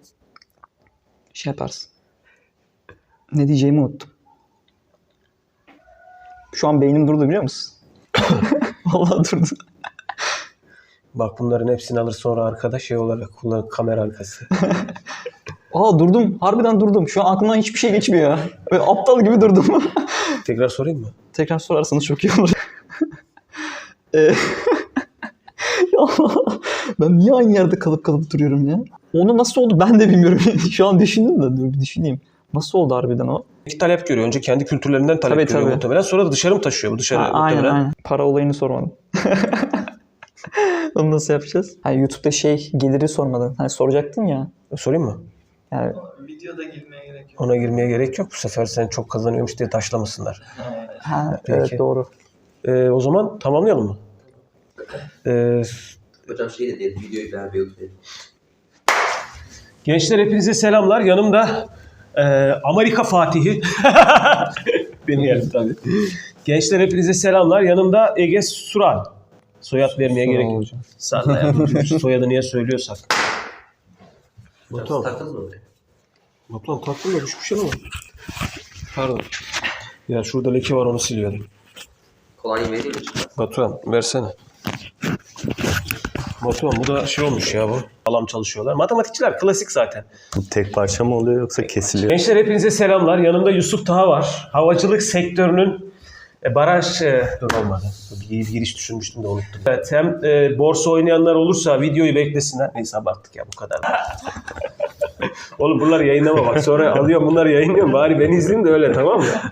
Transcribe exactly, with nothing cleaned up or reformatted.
şey yaparsın. Ne diyeceğimi unuttum. Şu an beynim durdu biliyor musun? Vallahi durdu. Bak bunların hepsini alır sonra arkada şey olarak kullanır, kamera arkası. Aa durdum. Harbiden durdum. Şu an aklımdan hiçbir şey geçmiyor ya. Böyle aptal gibi durdum. Tekrar sorayım mı? Tekrar sorarsanız çok iyi olur. Ee, ya Allah, ben niye aynı yerde kalıp kalıp duruyorum ya? Onu nasıl oldu ben de bilmiyorum. Şu an düşündüm de dur bir düşüneyim. Nasıl oldu harbiden o? İki talep görüyor. Önce kendi kültürlerinden talep Tabii, görüyor tabii. muhtemelen. Sonra da dışarı mı taşıyor bu dışarı Ha, aynen muhtemelen? aynen. Para olayını sormadım. Onu nasıl yapacağız? Hani YouTube'da şey geliri sormadın. Hani soracaktın ya. Sorayım mı? Yani Videoda girmeye gerek yok. Ona girmeye gerek yok. Bu sefer sen çok kazanıyormuş diye taşlamasınlar. ha, Peki. evet doğru. Ee, o zaman tamamlayalım mı? Ee, Hocam şey de diyelim, videoyu beğenmeyi unutmayın. gençler hepinize selamlar. Yanımda e, Amerika Fatihi. Beni yerim tabii. Gençler hepinize selamlar. Yanımda Ege Sural. Soyad vermeye gerek yok. Salla ya. Soyadı niye söylüyorsak. Hocam taktınız mı oraya? Batuhan taktım da düşmüş şey ama. Pardon. Ya şurada leke var onu siliyordum. Kolonya vereyim mi? Batuhan versene. Batuhan bu da şey olmuş ya bu. Alam çalışıyorlar. Matematikçiler klasik zaten. Bu tek parça mı oluyor yoksa kesiliyor? Gençler hepinize selamlar. Yanımda Yusuf Taha var. Havacılık sektörünün e, baraj... E, dur olmadı. Bir giriş düşünmüştüm de unuttum. Evet, hem e, borsa oynayanlar olursa videoyu beklesinler. Neyse abarttık ya bu kadar. Oğlum bunları yayınlama bak. Sonra alıyorum bunları yayınlıyorum. Bari beni izleyin de öyle tamam mı?